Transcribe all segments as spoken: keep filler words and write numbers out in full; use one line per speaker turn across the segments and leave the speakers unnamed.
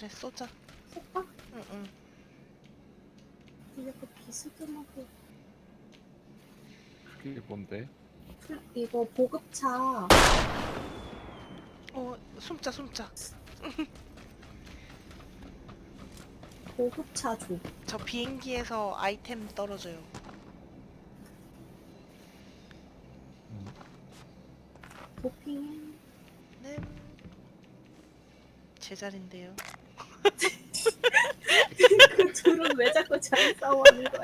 그래 쏘자.
쏠까?
응응.
이렇게 비스듬하게.
그게 뭔데?
풀- 이거 보급차.
어 숨자 숨자.
보급차 줘.
저 비행기에서 아이템 떨어져요.
음.
도핑.
네. 제 자리인데요.
그 둘은 왜 자꾸 잘 싸워하는 거야?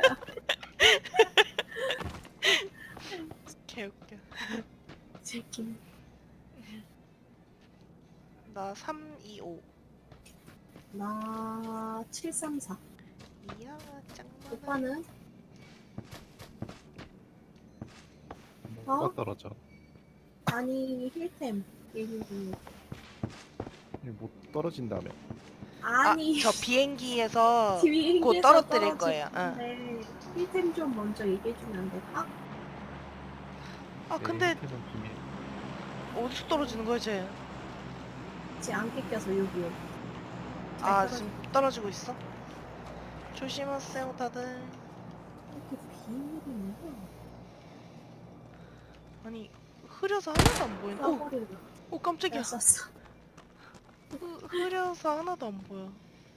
개웃겨.
새끼.
나 삼, 이, 오.
나 칠삼사.
이야 짱만.
오빠는?
뭐가
어?
떨어져?
아니 힐템 얘기 중.
이게 못 떨어진다며.
아니
아, 저 비행기에서
비행기에서
곧 떨어뜨릴
떨어질
거예요. 응.
건데 힐템 좀 먼저 얘기해주면 안 될까?
아
내
근데
혜택은 비밀.
어디서 떨어지는 거야 쟤?
쟤안 껴서 여기에. 잘
아
떨어져.
지금 떨어지고 있어? 조심하세요 다들.
이렇게 비밀이 있는 거야.
아니 흐려서 하나도 안 보이네. 오,
써버리고.
오 깜짝이야.
잘 썼어.
흐, 흐려서 하나도 안 보여.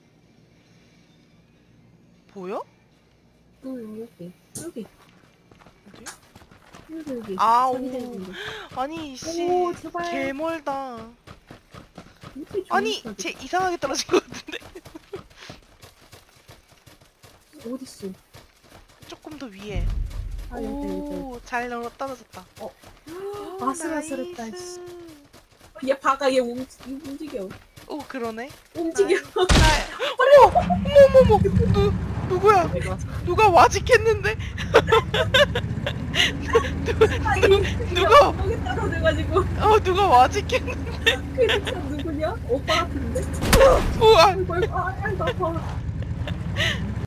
보여?
응 여기 여기
어디?
여기 여기.
아,
저기
오.
되는 거.
아니 씨
오, 제발.
개멀다.
이렇게
아니
좋은
쟤 이상하게 떨어진 것 같은데.
거지. 어딨어?
조금 더 위에.
아 여기 여기.
오잘 떨어졌다.
어.
오,
아슬아슬했다.
나이스.
씨. 얘 바가 얘 움, 움직여.
오 그러네.
움직여.
나- 어머 어머 어머 누 누구야?
이거.
누가 와직했는데?
아니
누가
여기 떨어져가지고.
어 누가 와직했는데?
그 누구냐? 오빠 같은데?
우와
아이고 아이고 아, 아이고 아파.